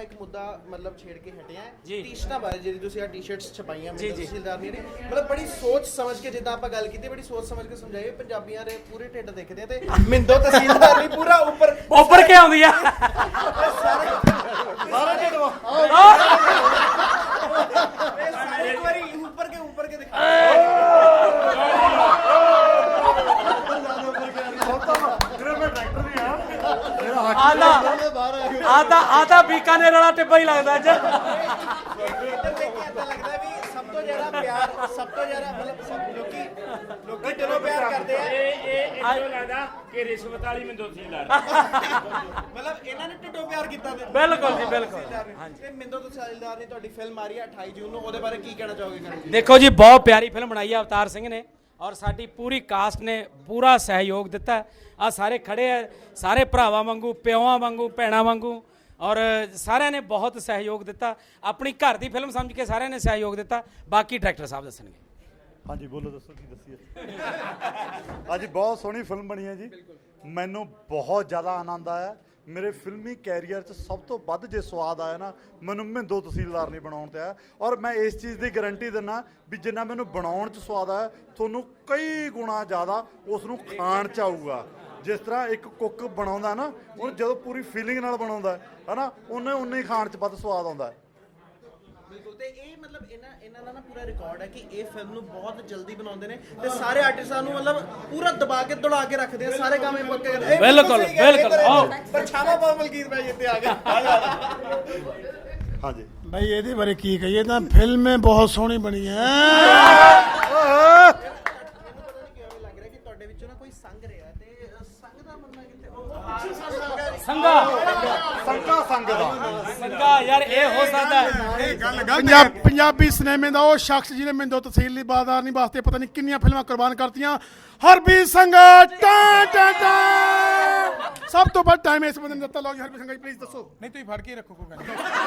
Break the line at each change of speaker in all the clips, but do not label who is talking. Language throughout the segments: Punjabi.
ਆਪਾਂ ਇੱਕ ਮੁੱਦਾ ਮਤਲਬ ਛੇੜ ਕੇ ਹਟੇ ਆ ਟੀ-ਸ਼ਰਟਾਂ ਬਾਰੇ, ਜਿਹੜੀ ਤੁਸੀਂ ਆ ਟੀ-ਸ਼ਰਟਸ ਛਪਾਈਆਂ ਮਿੰਦੋ ਤਹਿਸੀਲਦਾਰ ਨੇ, ਮਤਲਬ ਬੜੀ ਸੋਚ ਸਮਝ ਕੇ, ਜਿੱਦਾਂ ਆਪਾਂ ਗੱਲ ਕੀਤੀ, ਬੜੀ ਸੋਚ ਸਮਝ ਕੇ ਸਮਝਾਈਏ। ਪੰਜਾਬੀਆਂ ਦੇ ਪੂਰੇ ਢਿੱਡ ਦੇਖਦੇ ਆ ਤੇ ਮਿੰਦੋ ਤਹਿਸੀਲਦਾਰ ਨਹੀਂ ਪੂਰਾ ਉੱਪਰ
ਕੀ ਆਉਂਦੀ ਆ
ਸਾਰਾ ਢਿੱਡ ਇੱਕ ਵਾਰੀ ਉੱਪਰ ਕੇ ਦਿਖਾ।
ਆਦਾ ਬੀਕਾਨੇਰ ਵਾਲਾ ਟਿੱਬਾ ਹੀ ਲੱਗਦਾ ਅੱਜ।
ਲੱਗਦਾ ਵੀ ਸਭ ਤੋਂ ਜ਼ਿਆਦਾ ਪਿਆਰ, ਸਭ ਤੋਂ ਜ਼ਿਆਦਾ ਮਤਲਬ ਸਭ ਲੋਕੀ ਦਿਲੋਂ ਪਿਆਰ ਕਰਦੇ ਆ।
ਇਹ ਲੱਗਦਾ ਕਿ ਰਿਸ਼ਵਤ ਵਾਲੀ ਮਿੰਦੋ ਤਹਿਸੀਲਦਾਰ
ਮਤਲਬ ਇਹਨਾਂ ਨੇ ਢਿੱਡੋਂ ਪਿਆਰ ਕੀਤਾ ਤੇ
ਬਿਲਕੁਲ ਜੀ ਬਿਲਕੁਲ।
ਤੇ ਮਿੰਦੋ ਤਹਿਸੀਲਦਾਰ ਨੇ ਤੁਹਾਡੀ ਫਿਲਮ ਆ ਰਹੀ ਹੈ 28 ਜੂਨ ਨੂੰ, ਉਹਦੇ ਬਾਰੇ ਕੀ ਕਹਿਣਾ ਚਾਹੋਗੇ ਕਰਨ ਜੀ?
ਦੇਖੋ ਜੀ, ਬਹੁਤ ਪਿਆਰੀ ਫਿਲਮ ਬਣਾਈ ਹੈ ਅਵਤਾਰ ਸਿੰਘ ਨੇ, ਔਰ ਸਾਡੀ ਪੂਰੀ ਕਾਸਟ ਨੇ ਪੂਰਾ ਸਹਿਯੋਗ ਦਿੱਤਾ। ਆ ਸਾਰੇ ਖੜੇ ਆ, ਸਾਰੇ ਭਰਾਵਾਂ ਵਾਂਗੂ, ਪਿਓਾਂ ਵਾਂਗੂ, ਭੈਣਾਂ ਵਾਂਗੂ, ਔਰ ਸਾਰਿਆਂ ਨੇ ਬਹੁਤ ਸਹਿਯੋਗ ਦਿੱਤਾ। ਆਪਣੀ ਘਰ ਦੀ ਫਿਲਮ ਸਮਝ ਕੇ ਸਾਰਿਆਂ ਨੇ ਸਹਿਯੋਗ ਦਿੱਤਾ। ਬਾਕੀ ਡਾਇਰੈਕਟਰ ਸਾਹਿਬ ਦੱਸਣਗੇ।
ਹਾਂਜੀ ਬੋਲੋ, ਦੱਸੋ ਕੀ ਦੱਸੀਏ। ਅੱਜ ਬਹੁਤ ਸੋਹਣੀ ਫਿਲਮ ਬਣੀ ਹੈ ਜੀ, ਮੈਨੂੰ ਬਹੁਤ ਜ਼ਿਆਦਾ ਆਨੰਦ ਆਇਆ। ਮੇਰੇ ਫਿਲਮੀ ਕੈਰੀਅਰ 'ਚ ਸਭ ਤੋਂ ਵੱਧ ਜੇ ਸਵਾਦ ਆਇਆ ਨਾ, ਮੈਨੂੰ ਮਿੰਦੋ ਤਹਿਸੀਲਦਾਰ ਨਹੀਂ ਬਣਾਉਣ 'ਤੇ ਆਇਆ। ਔਰ ਮੈਂ ਇਸ ਚੀਜ਼ ਦੀ ਗਾਰੰਟੀ ਦਿੰਦਾ ਵੀ ਜਿੰਨਾ ਮੈਨੂੰ ਬਣਾਉਣ 'ਚ ਸਵਾਦ ਆਇਆ, ਤੁਹਾਨੂੰ ਕਈ ਗੁਣਾ ਜ਼ਿਆਦਾ ਉਸ ਨੂੰ ਖਾਣ 'ਚ ਆਊਗਾ। ਜਿਸ ਤਰ੍ਹਾਂ ਇੱਕ ਕੁੱਕ ਬਣਾਉਂਦਾ ਨਾ, ਉਹ ਜਦੋਂ ਪੂਰੀ ਫੀਲਿੰਗ ਨਾਲ ਬਣਾਉਂਦਾ ਹੈ ਨਾ, ਉਹਨੇ ਹੀ ਖਾਣ 'ਚ ਵੱਧ ਸਵਾਦ ਆਉਂਦਾ ਹੈ।
ਬਿਲਕੁਲ। ਤੇ ਇਹ ਮਤਲਬ ਇਹਨਾਂ ਦਾ ਨਾ ਪੂਰਾ ਰਿਕਾਰਡ ਹੈ ਕਿ ਇਹ ਫਿਲਮ ਨੂੰ ਬਹੁਤ ਜਲਦੀ ਬਣਾਉਂਦੇ ਨੇ ਤੇ ਸਾਰੇ ਆਰਟਿਸਟਾਂ ਨੂੰ ਮਤਲਬ ਪੂਰਾ ਦਬਾ ਕੇ ਦੌੜਾ ਕੇ ਰੱਖਦੇ ਆ, ਸਾਰੇ ਕੰਮ ਇਹ ਪੱਕੇ ਕਰਦੇ।
ਬਿਲਕੁਲ ਬਿਲਕੁਲ। ਆਓ
ਪਰਛਾਵਾਂ ਪਾ ਮਲਕੀਤ ਭਾਈ ਇੱਥੇ ਆ ਗਏ।
ਹਾਂਜੀ
ਭਾਈ ਇਹਦੇ ਬਾਰੇ ਕੀ ਕਹੀਏ, ਤਾਂ ਫਿਲਮ ਬਹੁਤ ਸੋਹਣੀ ਬਣੀ ਹੈ।
ਲੱਗ ਰਿਹਾ ਕਿ ਤੁਹਾਡੇ ਵਿੱਚੋਂ ਨਾ ਕੋਈ ਸੰਗ ਰਿਹਾ ਤੇ ਸੰਗ ਦਾ ਬੰਦਾ ਕਿੱਥੇ?
ਸੰਗਾ ਯਾਰ, ਇਹ ਹੋ ਸਕਦਾ ਹੈ
ਪੰਜਾਬੀ ਸਿਨੇਮੇ ਦਾ ਉਹ ਸ਼ਖਸ ਜਿਹਨੇ ਮਿੰਦੋ ਤਹਿਸੀਲਦਾਰ ਨਹੀਂ ਵਾਸਤੇ ਪਤਾ ਨਹੀਂ ਕਿੰਨੀਆਂ ਫਿਲਮਾਂ ਕੁਰਬਾਨ ਕਰਤੀਆਂ, ਹਰਬੀਰ ਸੰਘਾ। ਸਭ ਤੋਂ ਵੱਧ ਟਾਈਮ ਇਸ ਬੰਦੇ ਨੇ ਦਿੱਤਾ। ਲਓ ਜੀ ਹਰਬੀਰ ਸੰਘਾ ਜੀ, ਪਲੀਜ਼ ਦੱਸੋ। ਨਹੀਂ ਤੁਸੀਂ ਫੜ ਕੇ ਰੱਖੋ, ਕੋਈ ਗੱਲ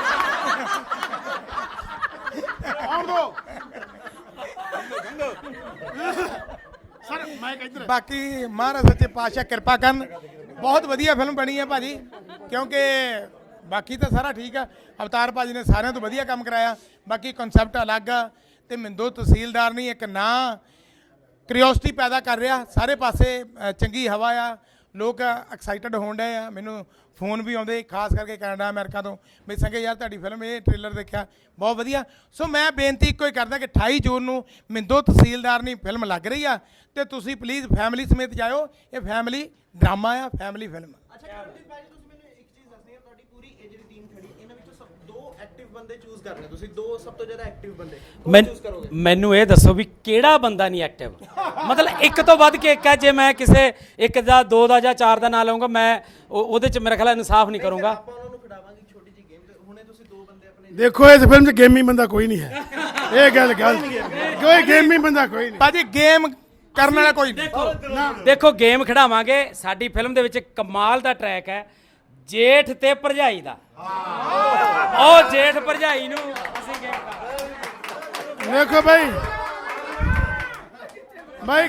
ਆਉਣ ਦੋ ਸਰ। ਮੈਂ ਇੱਧਰ
ਬਾਕੀ ਮਹਾਰਾਜ ਸੱਚੇ ਪਾਤਸ਼ਾਹ ਕਿਰਪਾ ਕਰਨ। ਬਹੁਤ ਵਧੀਆ ਫਿਲਮ ਬਣੀ ਹੈ ਭਾਜੀ, ਕਿਉਂਕਿ ਬਾਕੀ ਤਾਂ ਸਾਰਾ ਠੀਕ ਆ। ਅਵਤਾਰ ਭਾਜੀ ਨੇ ਸਾਰਿਆਂ ਤੋਂ ਵਧੀਆ ਕੰਮ ਕਰਾਇਆ। ਬਾਕੀ ਕਨਸੈਪਟ ਅਲੱਗ ਆ ਤੇ ਮਿੰਦੋ ਤਹਿਸੀਲਦਾਰ ਨਹੀਂ ਇੱਕ ਨਾਂ ਕਰਿਓਸਿਟੀ ਪੈਦਾ ਕਰ ਰਿਹਾ ਸਾਰੇ ਪਾਸੇ। ਚੰਗੀ ਹਵਾ ਆ, ਲੋਕ ਐਕਸਾਈਟਡ ਹੋਣ ਡਏ ਆ। ਮੈਨੂੰ ਫੋਨ ਵੀ ਆਉਂਦੇ ਖਾਸ ਕਰਕੇ ਕੈਨੇਡਾ ਅਮਰੀਕਾ ਤੋਂ, ਵੀ ਸੰਗੇ ਯਾਰ ਤੁਹਾਡੀ ਫਿਲਮ ਇਹ ਟ੍ਰੇਲਰ ਦੇਖਿਆ ਬਹੁਤ ਵਧੀਆ। ਸੋ ਮੈਂ ਬੇਨਤੀ ਇੱਕੋ ਹੀ ਕਰਦਾ ਕਿ 28 ਜੂਨ ਨੂੰ ਮਿੰਦੋ ਤਹਿਸੀਲਦਾਰ ਨਹੀਂ ਫਿਲਮ ਲੱਗ ਰਹੀ ਆ ਤੇ ਤੁਸੀਂ ਪਲੀਜ਼ ਫੈਮਿਲੀ ਸਮੇਤ ਜਾਇਓ। ਇਹ ਫੈਮਿਲੀ ਡਰਾਮਾ ਆ, ਫੈਮਿਲੀ ਫਿਲਮ।
ਅੱਛਾ ਕਰਮਜੀਤ ਭਾਈ, ਤੁਸੀਂ ਮੈਨੂੰ ਇੱਕ ਚੀਜ਼ ਦੱਸਣੀ ਹੈ, ਤੁਹਾਡੀ ਪੂਰੀ ਇਹ ਜਿਹੜੀ ਟੀਮ ਖੜੀ, ਇਹਨਾਂ ਵਿੱਚੋਂ ਸਭ ਦੋ ਐਕਟਿਵ ਬੰਦੇ ਚੂਜ਼ ਕਰਨੇ ਤੁਸੀਂ, ਦੋ ਸਭ ਤੋਂ ਜ਼ਿਆਦਾ ਐਕਟਿਵ ਬੰਦੇ ਚੂਜ਼ ਕਰੋਗੇ।
ਮੈਨੂੰ ਇਹ ਦੱਸੋ ਵੀ ਕਿਹੜਾ ਬੰਦਾ ਨਹੀਂ ਐਕਟਿਵ? ਮਤਲਬ ਇੱਕ ਤੋਂ ਵੱਧ ਕੇ ਇੱਕ ਹੈ। ਜੇ ਮੈਂ ਕਿਸੇ ਇੱਕ ਦਾ, ਦੋ ਦਾ ਜਾਂ ਚਾਰ ਦਾ ਨਾਂ ਲਵਾਂਗਾ, ਮੈਂ ਉਹਦੇ 'ਚ ਮੇਰਾ ਖਿਆਲ ਇਨਸਾਫ ਨਹੀਂ ਕਰੂੰਗਾ।
ਆਪਾਂ ਉਹਨਾਂ ਨੂੰ ਖਿਡਾਵਾਂਗੇ ਛੋਟੀ ਜਿਹੀ ਗੇਮ ਤੇ ਹੁਣੇ ਤੁਸੀਂ ਦੋ ਬੰਦੇ ਆਪਣੇ।
ਦੇਖੋ ਇਸ ਫਿਲਮ 'ਚ ਗੇਮੀ ਬੰਦਾ ਕੋਈ ਨਹੀਂ ਹੈ। ਇਹ ਗੱਲ ਕੋਈ ਗੇਮੀ ਬੰਦਾ ਕੋਈ ਨਹੀਂ
ਭਾਜੀ ਗੇਮ ਕਰਨ ਵਾਲਾ ਕੋਈ
ਦੇਖੋ ਗੇਮ ਖਿਡਾਵਾਂਗੇ। ਸਾਡੀ ਫਿਲਮ ਦੇ ਵਿੱਚ ਕਮਾਲ ਦਾ ਟਰੈਕ ਹੈ ਜੇਠ ਤੇ ਭਰਜਾਈ ਦਾ। ਉਹ ਜੇਠ ਭਰਜਾਈ ਨੂੰ ਅਸੀਂ ਗੇਮ ਕਰਾਂਗੇ।
ਦੇਖੋ ਭਾਈ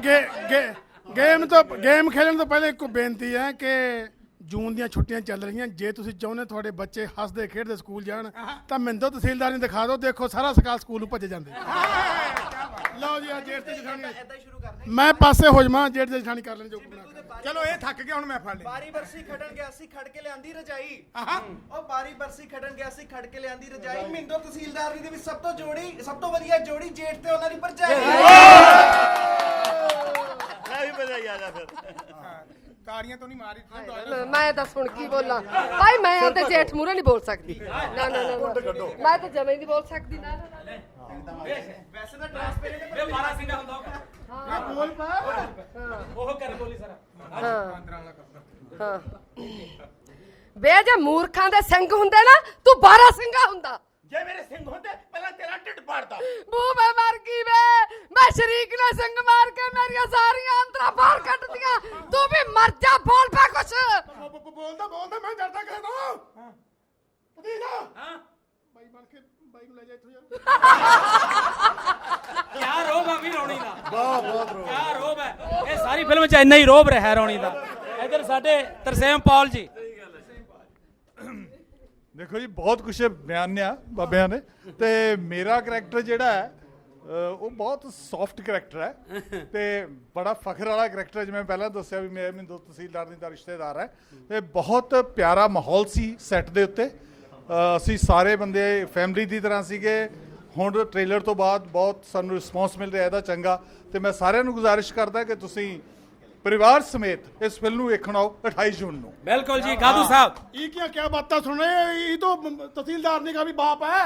ਗੇਮ ਖੇਡਣ ਤੋਂ ਪਹਿਲੇ ਇੱਕ ਬੇਨਤੀ ਹੈ ਕਿ ਜੂਨ ਦੀਆਂ ਛੁੱਟੀਆਂ ਚੱਲ ਰਹੀਆਂ। ਜੇ ਤੁਸੀਂ ਚਾਹੁੰਦੇ ਤੁਹਾਡੇ ਬੱਚੇ ਹੱਸਦੇ ਖੇਡਦੇ ਸਕੂਲ ਜਾਣ ਤਾਂ ਮਿੰਦੋ ਤਹਿਸੀਲਦਾਰ ਨੂੰ ਦਿਖਾ ਦਿਓ। ਦੇਖੋ ਸਾਰਾ ਸਕਾਲ ਸਕੂਲ ਨੂੰ ਭੱਜੇ ਜਾਂਦੇ। ਲਓ ਜੀ ਆ ਜੇਠ ਤੇ ਜਠਾਣੀ,
ਇਦਾਂ ਹੀ ਸ਼ੁਰੂ ਕਰਦੇ
ਮੈਂ ਪਾਸੇ ਹੋ ਜਾਵਾਂ, ਜੇਠ ਤੇ ਜਠਾਣੀ ਕਰ ਲੈਣ ਜੋ
ਚਲੋ ਇਹ ਥੱਕ ਗਿਆ ਹੁਣ ਮੈਂ ਫੜ ਲਿਆ।
ਬਾਰੀ ਬਰਸੀ ਖੜਨ ਗਿਆ ਸੀ ਖੜ ਕੇ ਲਿਆਂਦੀ ਰਜਾਈ। ਉਹ ਬਾਰੀ ਬਰਸੀ ਖੜਨ ਗਿਆ ਸੀ ਖੜ ਕੇ ਲਿਆਂਦੀ ਰਜਾਈ। ਮਿੰਦੋ ਤਹਿਸੀਲਦਾਰ ਦੇ ਵਿੱਚ ਸਭ ਤੋਂ ਵਧੀਆ ਜੋੜੀ ਜੇਠ ਤੇ ਉਹਨਾਂ ਦੀ ਭਰਜਾਈ।
ਤਾੜੀਆਂ ਤੋਂ ਨਹੀਂ ਮਾਰੀ।
ਮੈਂ ਦੱਸ ਹੁਣ ਕੀ ਬੋਲਾਂ ਭਾਈ, ਮੈਂ ਤੇ ਜੇਠ ਮੂਰੇ ਨਹੀਂ ਬੋਲ ਸਕਦੀ। ਨਾ ਮੈਂ ਤਾਂ ਜਮੇ ਨਹੀਂ ਬੋਲ ਸਕਦੀ। ਨਾ
ਵੈਸੇ ਤਾਂ ਟ੍ਰਾਂਸਪੇਰੈਂਟ
ਇਹ ਮਾਰਾ ਸਿੰਘਾ ਹੁੰਦਾ
ਹਾਂ
ਬੋਲ ਪਾ।
ਉਹ ਕਰ ਬੋਲੀ ਸਾਰਾ।
ਹਾਂ ਬੇ ਜੇ ਮੂਰਖਾਂ ਦੇ ਸਿੰਘ ਹੁੰਦੇ ਨਾ, ਤੂੰ 12 ਸਿੰਘਾ ਹੁੰਦਾ।
ਜੇ ਮੇਰੇ ਸਿੰਘ ਹੁੰਦੇ ਪਹਿਲਾਂ ਤੇਰਾ ਢਿੱਡ ਪਾੜਦਾ।
ਬੂ ਮੈਂ ਮਰ ਗਈ ਵੇ, ਮੈਂ ਸ਼ਰੀਕ ਨੇ ਸਿੰਘ ਮਾਰ ਕੇ ਮੇਰੀਆਂ ਸਾਰੀਆਂ ਅੰਤਰਾਂ ਬਾਹਰ ਕੱਢਦੀਆਂ। ਤੂੰ ਵੀ ਮਰ ਜਾ, ਬੋਲ ਪਾ ਕੁਛ।
ਬੋਲਦਾ ਮੈਂ ਡਰਦਾ ਕਹਿੰਦਾ ਪਤੀਲਾ।
ਹਾਂ
ਬਾਈ ਬਣ ਕੇ ਬਾਈ ਨੂੰ ਲੈ ਜਾ ਇੱਥੋਂ ਯਾਰ।
ਕਿਆ ਰੋਬ ਆ ਵੀ ਰੌਣੀ ਦਾ।
ਬਹੁਤ ਰੋਬ।
ਕਿਆ ਰੋਬ ਹੈ ਇਹ ਸਾਰੀ ਫਿਲਮ 'ਚ ਇੰਨਾ ਹੀ ਰੋਬ ਰਿਹਾ ਰੌਣੀ ਦਾ। ਇੱਧਰ ਸਾਡੇ ਤਰਸੇਮ ਪੌਲ ਜੀ।
ਦੇਖੋ ਜੀ ਬਹੁਤ ਕੁਛ ਬਿਆਨਿਆ ਬਾਬਿਆਂ ਨੇ ਤੇ ਮੇਰਾ ਕਰੈਕਟਰ ਜਿਹੜਾ ਹੈ ਉਹ ਬਹੁਤ ਸੌਫਟ ਕਰੈਕਟਰ ਹੈ ਤੇ ਬੜਾ ਫਖਰ ਵਾਲਾ ਕਰੈਕਟਰ ਹੈ। ਜਿਵੇਂ ਪਹਿਲਾਂ ਦੱਸਿਆ ਵੀ ਮੈਂ ਮਿੰਦੋ ਤਹਿਸੀਲਦਾਰ ਦਾ ਰਿਸ਼ਤੇਦਾਰ ਹੈ ਤੇ ਬਹੁਤ ਪਿਆਰਾ ਮਾਹੌਲ ਸੀ ਸੈੱਟ ਦੇ ਉੱਤੇ। ਅਸੀਂ ਸਾਰੇ ਬੰਦੇ ਫੈਮਿਲੀ ਦੀ ਤਰ੍ਹਾਂ ਸੀਗੇ। ਹੁਣ ਟ੍ਰੇਲਰ ਤੋਂ ਬਾਅਦ ਬਹੁਤ ਸਾਨੂੰ ਰਿਸਪੌਂਸ ਮਿਲ ਰਿਹਾ ਇਹਦਾ ਚੰਗਾ ਤੇ ਮੈਂ ਸਾਰਿਆਂ ਨੂੰ ਗੁਜ਼ਾਰਿਸ਼ ਕਰਦਾ ਕਿ ਤੁਸੀਂ परिवार समेत इस फिल्म ਨੂੰ ਵੇਖਣ ਆਓ 28 जून ਨੂੰ।
बिल्कुल जी गादू साहब।
ये क्या बातें सुन रहे हैं? ये तो तहसीलदार ने का भी बाप है।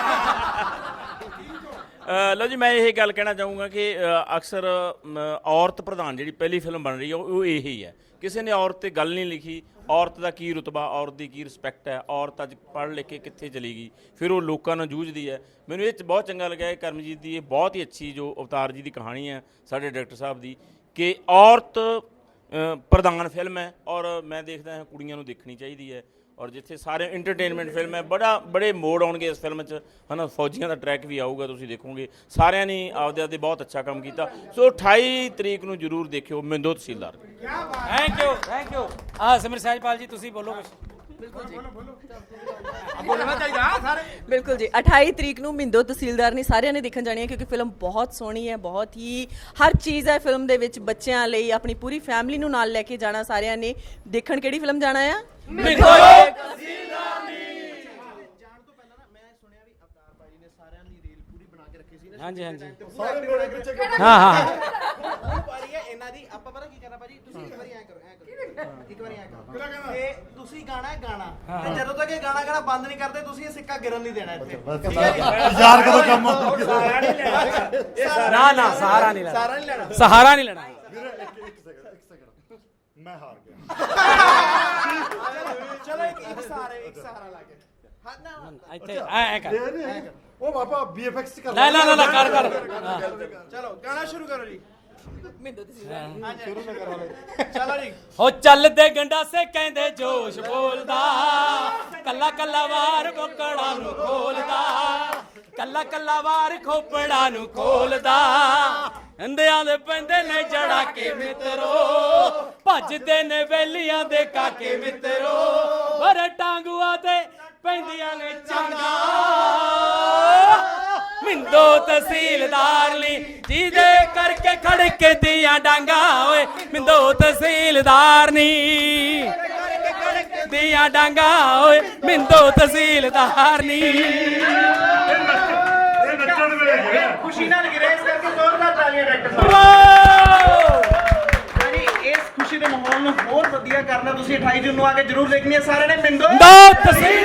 ਲਓ ਜੀ ਮੈਂ ਇਹ ਗੱਲ ਕਹਿਣਾ ਚਾਹੂੰਗਾ ਕਿ ਅਕਸਰ ਔਰਤ ਪ੍ਰਧਾਨ ਜਿਹੜੀ ਪਹਿਲੀ ਫਿਲਮ ਬਣ ਰਹੀ ਹੈ ਉਹ ਇਹੀ ਹੈ। ਕਿਸੇ ਨੇ ਔਰਤ ਤੇ ਗੱਲ ਨਹੀਂ ਲਿਖੀ, ਔਰਤ ਦਾ ਕੀ ਰੁਤਬਾ, ਔਰਤ ਦੀ ਕੀ ਰਿਸਪੈਕਟ ਹੈ, ਔਰਤ ਅੱਜ ਪੜ੍ਹ ਲਿਖ ਕੇ ਕਿੱਥੇ ਚਲੀ ਗਈ, ਫਿਰ ਉਹ ਲੋਕਾਂ ਨਾਲ ਜੂਝਦੀ ਹੈ। ਮੈਨੂੰ ਇਹ 'ਚ ਬਹੁਤ ਚੰਗਾ ਲੱਗਿਆ ਕਿ ਕਰਮਜੀਤ ਦੀ ਇਹ ਬਹੁਤ ਹੀ ਅੱਛੀ ਜੋ ਅਵਤਾਰ ਜੀ ਦੀ ਕਹਾਣੀ ਹੈ ਸਾਡੇ ਡਾਇਰੈਕਟਰ ਸਾਹਿਬ ਦੀ ਕਿ ਔਰਤ ਪ੍ਰਧਾਨ ਫਿਲਮ ਹੈ ਔਰ ਮੈਂ ਦੇਖਦਾ ਹਾਂ ਕੁੜੀਆਂ ਨੂੰ ਦੇਖਣੀ ਚਾਹੀਦੀ ਹੈ। ਔਰ ਜਿੱਥੇ ਸਾਰੇ ਇੰਟਰਟੇਨਮੈਂਟ ਫਿਲਮ ਹੈ ਬੜੇ ਮੋੜ ਆਉਣਗੇ ਇਸ ਫਿਲਮ 'ਚ ਹੈ ਨਾ। ਫੌਜੀਆਂ ਦਾ ਟਰੈਕ ਵੀ ਆਊਗਾ, ਤੁਸੀਂ ਦੇਖੋਗੇ। ਸਾਰਿਆਂ ਨੇ ਆਪਦੇ ਬਹੁਤ ਅੱਛਾ ਕੰਮ ਕੀਤਾ। ਸੋ 28 ਤਰੀਕ ਨੂੰ ਜ਼ਰੂਰ ਦੇਖਿਓ Mindo Tehsildar.
Thank you thank you. हाँ सिमर सहजपाल जी तुसी बोलो कुछ।
ਬਿਲਕੁਲ ਜੀ 28 ਤਰੀਕ ਨੂੰ ਮਿੰਦੋ ਤਹਿਸੀਲਦਾਰ ਨੇ ਸਾਰਿਆਂ ਨੇ ਦੇਖਣ ਜਾਣੀ ਹੈ ਕਿਉਂਕਿ ਫਿਲਮ ਬਹੁਤ ਸੋਹਣੀ ਹੈ, ਬਹੁਤ ਹੀ ਹਰ ਚੀਜ਼ ਹੈ ਫਿਲਮ ਦੇ ਵਿੱਚ। ਬੱਚਿਆਂ ਲਈ ਆਪਣੀ ਪੂਰੀ ਫੈਮਿਲੀ ਨੂੰ ਨਾਲ ਲੈ ਕੇ ਜਾਣਾ ਸਾਰਿਆਂ ਨੇ ਦੇਖਣ। ਕਿਹੜੀ ਫਿਲਮ ਜਾਣਾ ਆ?
मिंदो
ਜਾਣ ਤੋਂ ਪਹਿਲਾਂ ਨਾ ਮੈਂ ਸੁਣਿਆ ਵੀ ਅਵਤਾਰ ਭਾਜੀ ਨੇ ਸਾਰਿਆਂ ਦੀ ਰੀਲ ਪੂਰੀ ਬਣਾ ਕੇ ਰੱਖੀ ਸੀ ਨਾ।
हाँ जी हाँ जी
ਸਾਰੇ ਬਣਾ ਕੇ ਚੱਕ
हाँ हाँ
ਵਾਰੀ ਹੈ ਇਹਨਾਂ ਦੀ। ਆਪਾਂ ਪਤਾ ਕੀ ਕਰਨਾ ਭਾਜੀ, ਤੁਸੀਂ ਇੱਕ ਵਾਰੀ ਐ ਕਰੋ ਇੱਕ ਵਾਰੀ ਐ ਕਰੋ ਤੇ ਤੁਸੀਂ ਗਾਣਾ ਹੈ ਗਾਣਾ ਤੇ ਜਦੋਂ ਤੱਕ ਇਹ ਗਾਣਾ ਗਾਣਾ ਬੰਦ ਨਹੀਂ ਕਰਦੇ ਤੁਸੀਂ ਇਹ ਸਿੱਕਾ ਗਿਰਨ ਨਹੀਂ ਦੇਣਾ ਇੱਥੇ। ਠੀਕ ਹੈ ਜੀ?
ਯਾਰ ਕਦੋਂ ਕੰਮ
ना ना सहारा नहीं लेना,
ਸਾਰਾ ਨਹੀਂ ਲੈਣਾ।
सहारा नहीं लेना।
ਇੱਕ ਸੈਕਿੰਡ ਮੈਂ ਹਾਰ ਗਿਆ।
ਚਲੋ ਇੱਕ ਸਹਾਰਾ ਲਾ ਕੇ ਹਾਂ ਨਾ
ਇੱਥੇ ਐ ਕਰ।
ਉਹ ਬਾਬਾ BFX ਕਰ
ਨਾ ਨਾ ਨਾ ਕਰ ਕਰ।
ਚਲੋ ਗਾਣਾ ਸ਼ੁਰੂ ਕਰੋ ਜੀ।
ਮਿੰਦੋ ਤਹਿਸੀਲਦਾਰ
ਚਲੋ ਜੀ।
ਹੋ ਚੱਲਦੇ ਗੰਡਾਸੇ ਕਹਿੰਦੇ ਜੋਸ਼ ਬੋਲਦਾ, ਕੱਲਾ ਕੱਲਾ ਵਾਰ ਕੋਕੜਾ ਨੂੰ ਖੋਲਦਾ, ਕੱਲਾ ਕੱਲਾ ਵਾਰ ਖੋਪੜਾ ਨੂੰ ਖੋਲਦਾ। ਹੰਦਿਆਂ ਦੇ ਪੈਂਦੇ ਨੇ ਜੜਾ ਕੇ ਮਿੱਤਰੋ, ਭੱਜਦੇ ਨੇ ਵੇਲੀਆਂ ਦੇ ਕਾਕੇ ਮਿੱਤਰੋ। ਵਰ ਟਾਂਗੂਆਂ ਤੇ ਪੈਂਦੀਆਂ ਨੇ ਚਾਂਗਾ, ਮਿੰਦੋ ਤਹਿਸੀਲਦਾਰ ਲਈ ਜਿਹਦੇ ਕਰਕੇ ਖੜਕੇ ਦੀਆਂ ਡਾਂਗਾ। ਓਏ ਮਿੰਦੋ ਤਹਿਸੀਲਦਾਰ ਨੀ ਦੀਆਂ ਡਾਂਗਾ, ਓਏ ਮਿੰਦੋ ਤਹਿਸੀਲਦਾਰ ਨੀ।
ਖੁਸ਼ੀ ਨਾਲ ਗਿਰੇ ਇਸ ਕਰਕੇ ਜ਼ੋਰਦਾਰ ਤਾਲੀਆਂ ਡਾਇਰੈਕਟਰ ਸਾਹਿਬ।
ਵਾਓ!
ਯਾਨੀ ਇਸ ਖੁਸ਼ੀ ਦੇ ਮਾਹੌਲ ਨੂੰ ਹੋਰ ਵਧੀਆ ਕਰਨਾ ਤੁਸੀਂ 28 ਜੂਨ ਨੂੰ ਆ ਕੇ ਜ਼ਰੂਰ ਦੇਖਣੀ ਹੈ ਸਾਰਿਆਂ ਨੇ। ਮਿੰਦੋ
ਮਿੰਦੋ ਤਹਿਸੀਲ